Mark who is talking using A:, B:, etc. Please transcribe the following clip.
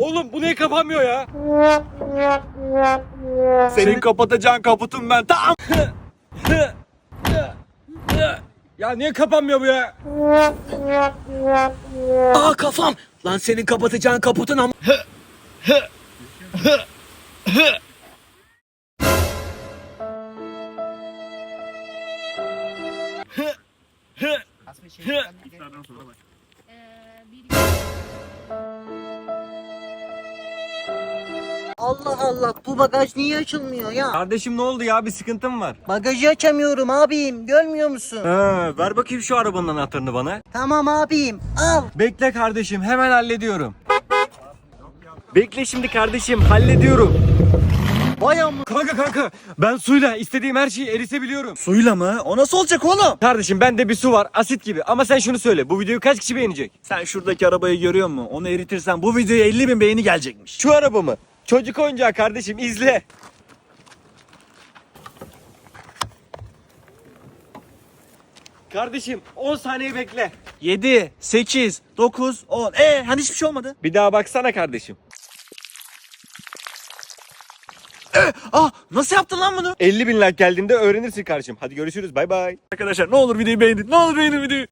A: Oğlum bu niye kapanmıyor ya?
B: Senin kapatacağın kaputun ben. Tamam.
A: Ya niye kapanmıyor bu ya?
B: Aa kafam. Lan senin kapatacağın kaputun ama.
C: Allah Allah, bu bagaj niye açılmıyor ya?
A: Kardeşim ne oldu ya? Bir sıkıntın var.
C: Bagajı açamıyorum abim, görmüyor musun?
A: Ver bakayım şu arabanın anahtarını bana.
C: Tamam abim, al.
A: Bekle kardeşim, hemen hallediyorum. Bekle şimdi kardeşim, hallediyorum.
C: Vay amma.
A: Kanka ben suyla istediğim her şeyi eritebiliyorum.
B: Suyla mı? O nasıl olacak oğlum?
A: Kardeşim bende bir su var, asit gibi. Ama sen şunu söyle, bu videoyu kaç kişi beğenecek?
B: Sen şuradaki arabayı görüyor musun? Onu eritirsen bu videoya 50.000 beğeni gelecekmiş.
A: Şu araba mı? Çocuk oyuncağı kardeşim, izle. Kardeşim 10 saniye bekle.
B: 7, 8, 9, 10. Hani hiçbir şey olmadı.
A: Bir daha baksana kardeşim.
B: Nasıl yaptın lan bunu?
A: 50.000 like geldiğinde öğrenirsin kardeşim. Hadi görüşürüz, bay bay.
B: Arkadaşlar ne olur videoyu beğenin. Ne olur beğenin videoyu.